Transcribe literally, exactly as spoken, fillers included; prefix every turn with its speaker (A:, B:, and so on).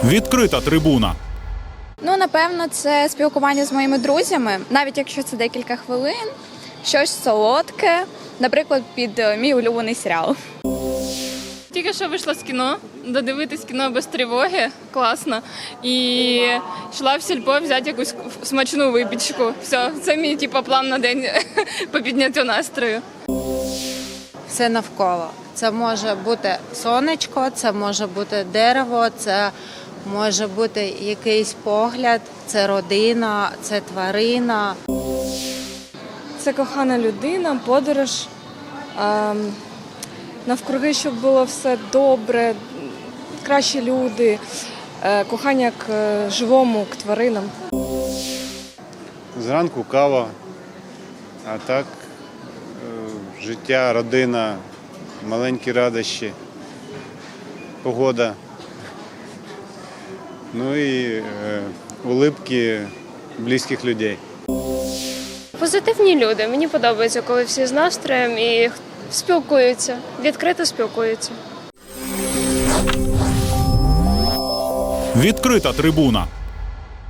A: Відкрита трибуна.
B: Ну, напевно, це спілкування з моїми друзями, навіть якщо це декілька хвилин, щось солодке, наприклад, під мій улюблений серіал.
C: Тільки що вийшла з кіно, додивитись кіно без тривоги, класно. І йшла в сільпо взяти якусь смачну випічку. Все, це мій типу, план на день по підняттю настрою.
D: Все навколо. Це може бути сонечко, це може бути дерево, це може бути якийсь погляд, це родина, це тварина.
E: Це кохана людина, подорож, ем, навкруги, щоб було все добре, кращі люди, е, кохання к е, живому, к тваринам.
F: Зранку кава, а так е, життя, родина, маленькі радощі, погода. Ну і е, улыбки близьких людей.
G: Позитивні люди. Мені подобається, коли всі з настроєм і спілкуються, відкрито спілкуються.
A: Відкрита трибуна.